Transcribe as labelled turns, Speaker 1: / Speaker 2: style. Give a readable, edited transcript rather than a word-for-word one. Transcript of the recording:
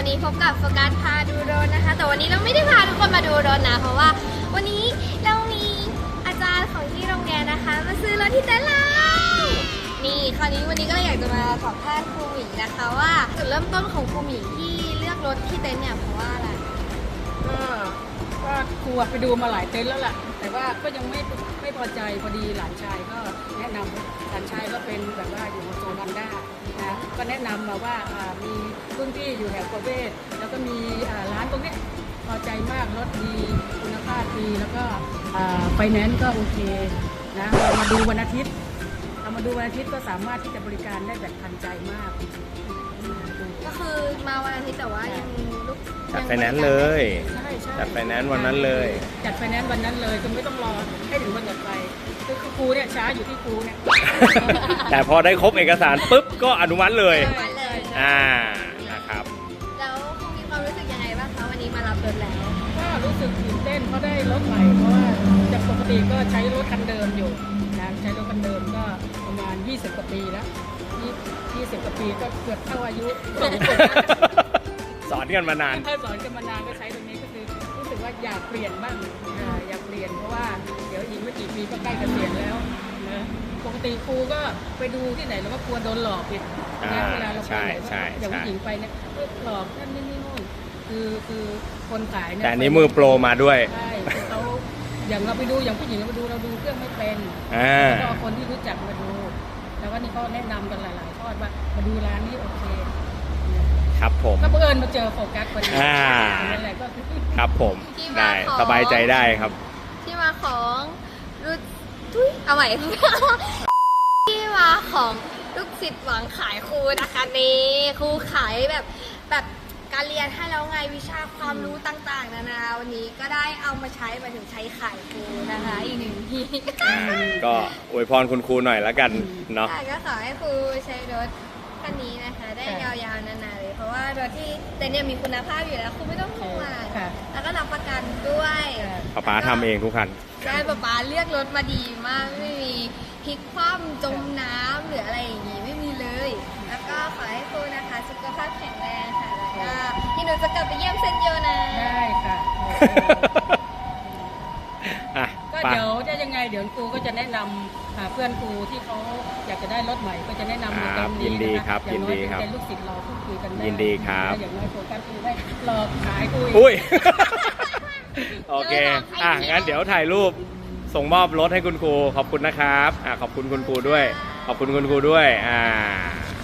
Speaker 1: นี้พบกับโฟกัสพาดูรถนะคะแต่วันนี้เราไม่ได้พาทุกคนมาดูรถนะเพราะว่าวันนี้เรามีอาจารย์ของที่โรงเรียนนะคะมาซื้อรถที่เต็นท์เรานี่คราวนี้วันนี้ก็เลยอยากจะมาสัมภาษณ์ครูหมีนะคะว่าจุดเริ่มต้นของครูหมีที่เลือกรถที่เต็นท์เนี่ยเพราะว่าอะไร
Speaker 2: ก็ครูไปดูมาหลายเต็นท์แล้วล่ะแต่ว่าก็ยังไม่พอใจพอดีหลานชายก็แนะนำหลานชายก็เป็นแบบว่าอยู่โซนฮอนด้านะก็แนะนำมาว่ามีรุ่นที่อยู่แถวประเวศแล้วก็มีร้านตรงนี้พอใจมากรถดีคุณภาพดีแล้วก็ไฟแนนซ์ก็โอเคนะเรามาดูวันอาทิตย์ก็สามารถที่จะบริการได้แบบทันใจมาก
Speaker 1: ก็คือมาวันอาทิตย์แต่ว่ายังลูก
Speaker 3: จัดไฟแนนซ์เลยจัดไฟแนนซ์วันนั้นเลย
Speaker 2: จัดไฟแนนซ์วันนั้นเลยคือไม่ต้องรอให้ถึงวันจัดไฟคือครูเนี่ยช้าอยู่ที่ครูเนี่ย
Speaker 3: แต่พอได้ครบเอกสารปุ๊บก็อนุมัติเลยนะครับ
Speaker 1: แล้วครูมีความรู้สึกยังไงบ้างคะวันนี้มารับรถแล้ว
Speaker 2: ก็รู้สึกตื่นเต้นเพราะได้รถใหม่เพราะว่าจากปกติก็ใช้รถคันเดิมอยู่นะใช้รถคันเดิมก็ประมาณ20 กว่าปีแล้ว20 กว่าปีก็เกือบเท่าอายุ
Speaker 3: สอนกันมานาน
Speaker 2: สอนกันมานานก็ใช้ตรงนี้ก็คือรู้สึกว่าอยากเปลี่ยนบ้างอยากเปลี่ยนเพราะว่าเดี๋ยวอีกไม่กี่ปีก็ใกล้เกษียณแล้วนะปกติครูก็ไปดูที่ไหนเราก็กลัวโดนหลอกอีกนะเวลาเราไปไหนอย่างผู้หญิงไปเนี่ยหลอกนั่นนี่นู่นคือคนขายเนี่ย
Speaker 3: แต่นี้มือโปรมาด้วย
Speaker 2: ใช่เขาอย่างเราไปดูอย่างผู้หญิงเราดูเครื่องไม่เป็นก็เอาคนที่รู้จักมาดูแล้วก็นี่เขาแนะนำกันหลายๆทอดว่ามาดูร้านนี้โอเค
Speaker 3: ครับผม
Speaker 2: ก็บังเอิญมาเจอโฟกัสพอดีอะไรก็
Speaker 3: ครับผมได้สบายใจได้ครับ
Speaker 1: ที่มาของเอาใหม่ที่มาของลูกศิษย์หวังขายครูนะคะนี่ครูขายแบบการเรียนให้แล้วไงวิชาความรู้ต่างๆนานาวันนี้ก็ได้เอามาใช้มาถึงใช้ขายครูนะคะอีกหนึ่งที
Speaker 3: ก็อวยพรคุณครูหน่อยแล้วกันเนาะ
Speaker 1: ก็ขอให้ครูใช้รถคันนี้นะคะได้ยาวๆนานๆเลยเพราะว่ารถที่แต่เนี่ยมีคุณภาพอยู่แล้วคุณไม่ต้องห่วงแล้วก็รับประกันด้วย
Speaker 3: ป๊าทำเองทุกคัน
Speaker 1: ใช่ป๊าเลือกรถมาดีมากไม่มีพลิกคว่ำจมน้ำหรืออะไรอย่างงี้ไม่มีเลยแล้วก็ขอให้ครูนะคะสุขภาพแข็งแรงค่ะแล้วก็ที่หนูจะกลับไปเยี่ยมเซนโยนะ
Speaker 2: ได้ค่ะก็เดี๋ยวจะยังไงเดี๋ยวครูก็จะแนะนำเพื่อนครูที่เขาอยากจะได้รถใหม่ก็จะแนะนำในตรงนี้
Speaker 3: นะคะ
Speaker 2: อย่างน้อยเป็นลูกศิษย์เราพูดคุยกันได้
Speaker 3: ยินดีครับ
Speaker 2: อย่างน้อยโฟกัสครูได้หลอกขายคุย
Speaker 3: โอเคงั้นเดี๋ยวถ่ายรูปส่งมอบรถให้คุณครูขอบคุณนะครับขอบคุณคุณครูด้วยขอบคุณคุณครูด้วย